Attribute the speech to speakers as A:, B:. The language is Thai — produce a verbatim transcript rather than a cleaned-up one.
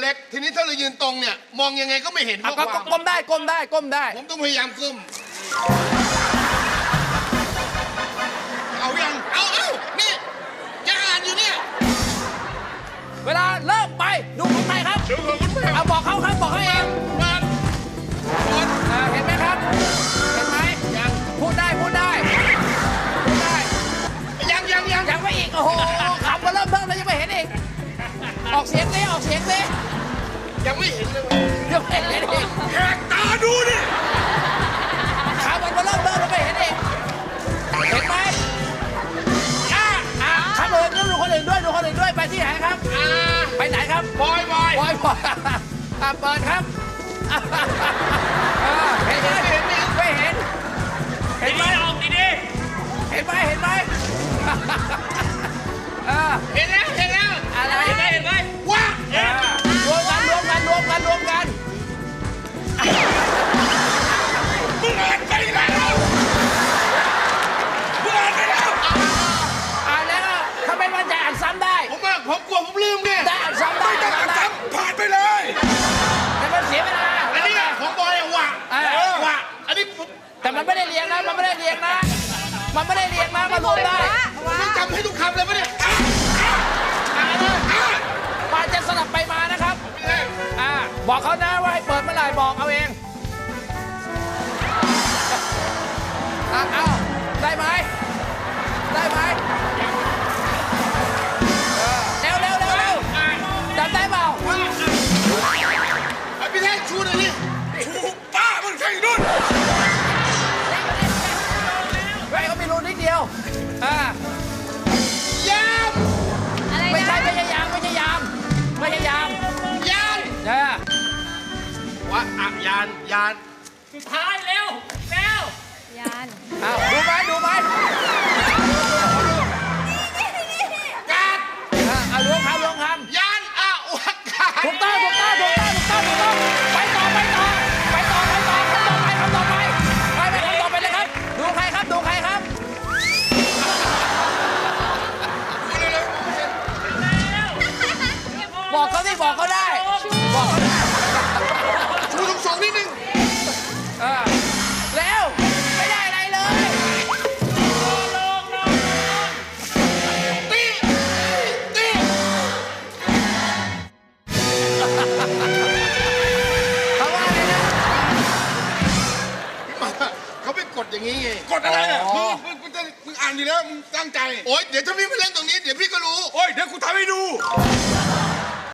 A: ล็กทีนี้ถ้าเรายืนตรงเนี่ยมองยังไงก็ไม่เห็นข้อ
B: ก็
A: ความ
B: ก้มได้ก้มได้ก้มได้
A: ผมต้องพยายามก้มเอายังเอาเอานี่จะอ่านอยู่เนี่ย
B: เวลาเริ่มไปดูของใครครับ
A: ดูของคุณแม่
B: เอาบอกเขาครับบอกเขาเอง
A: มาคน
B: อ่าเห็นไหมครับ เห็นไหมยังพูดได้พูดได้พูดได้
A: ยังยังยัง
B: ยังไม่อีกโอ้โหขับมาเริ่มเพิ่มแล้วยังไม่เห็นอีกออกเสียงดิออกเสียงดิ
A: ยังไม่เห็นเลย
B: ยังไม่เห็นอีก
A: แหกตาดูดิ
B: ขับมันมาเริ่มเพิ่มแล้วไม่เห็นอีกเห็นไหมอ่ะอ่ะขับเลยดูคนอื่นด้วยดูคนอื่นด้วยไปที่ไหนครับ
A: อ่า
B: ไปไหนครับ
A: บอยบอย
B: บอยบอยอ่ะเปิดครับอ่ะเห็นไหมเห็นไหมไม่เห็นเห็นไหมออกดีๆเห็นไหมเห็นไหมอ่า
A: เห็นแล้วเห็นแล้ว
B: อะไรเห็นไหมเห็นไหม
A: ว้าร
B: วมกันรวมกันรวมกันรวมกัน
A: มึงอ่านไปแล้วมึงอ่านไปแล้ว
B: อ่านแล้วทำไมมันจะอ่านซ้ำได้
A: ผมว่าผมกลัวผมลืมเนี่ย
B: ได้อ่านซ้ำได้
A: ไม่ต้องอ่านซ้ำผ่านไปเลย
B: แต่มันเสียเวลา
A: อันนี้ของบอยอะว่ะ
B: เออ
A: ว่ะอันนี้ผม
B: แต่มันไม่ได้เรียงนะมันไม่ได้เรียงนะมันไม่ได้เรียงนะมารวมได้
A: ต้องจำให้ทุกคำเลยปะเนี่ย
B: อ่านเลยมาจะสลับไปมานะครับอ่าบอกเขานะว่าให้เปิดเมื่อไหร่บอกเอาเองอ่ะเอาได้ไหมได้ไหมเออเร็วเร็วเร็วเร็วจำได้เปล่า
A: ไอ้พี่แท้ชูหน่อยดิชูป้ามึงใช่นู่น
B: เฮ้ยเขามีรูนิดเดียวอ่าย
A: าม
B: ไม่ใช่ไม่ใช่ยามไม่ใช่ยามไม่ใช่ยาม
A: ยาน
B: เออ
A: ว่าอะยานยาน
B: สุดท้ายเร็วเร็วย
C: าน
B: อ้าวดูไหมดูไหม
A: ยาน
B: อ่ะเอาล้วงคำล้วงค
A: ยานอะวักาศ
B: ำถูกต้องถูกต้องถูกต้องถูกต้องถูกต้องไปต่อไปต่อไปต่อไปต่อคำต่อไปคำต่อไปไปไปคำต่อไปเลยครับดูใครครับดูใครครับ บอกเขาที่บอกเขาได้บอกเขาได้
A: ชูสูงสูงนิดนึง
B: เออแล้วไม่ได้อะไรเลย
A: ตีตี
B: เขาว่าอะไรนะ
A: เขาไปกดอย่างนี้ไง
D: กดอะไรอ่ะ
B: อ๋
D: มึ
B: อ
D: งมึงมึงจะมึงอ่านดีแล้วมึงตั้งใจ
A: โอ๊ยเดี๋ยวถ้าพี่มาเล่นตรงนี้เดี๋ยวพี่ก็รู้
D: โอ้ย เดี๋ยวกูทำให้ดู
A: เ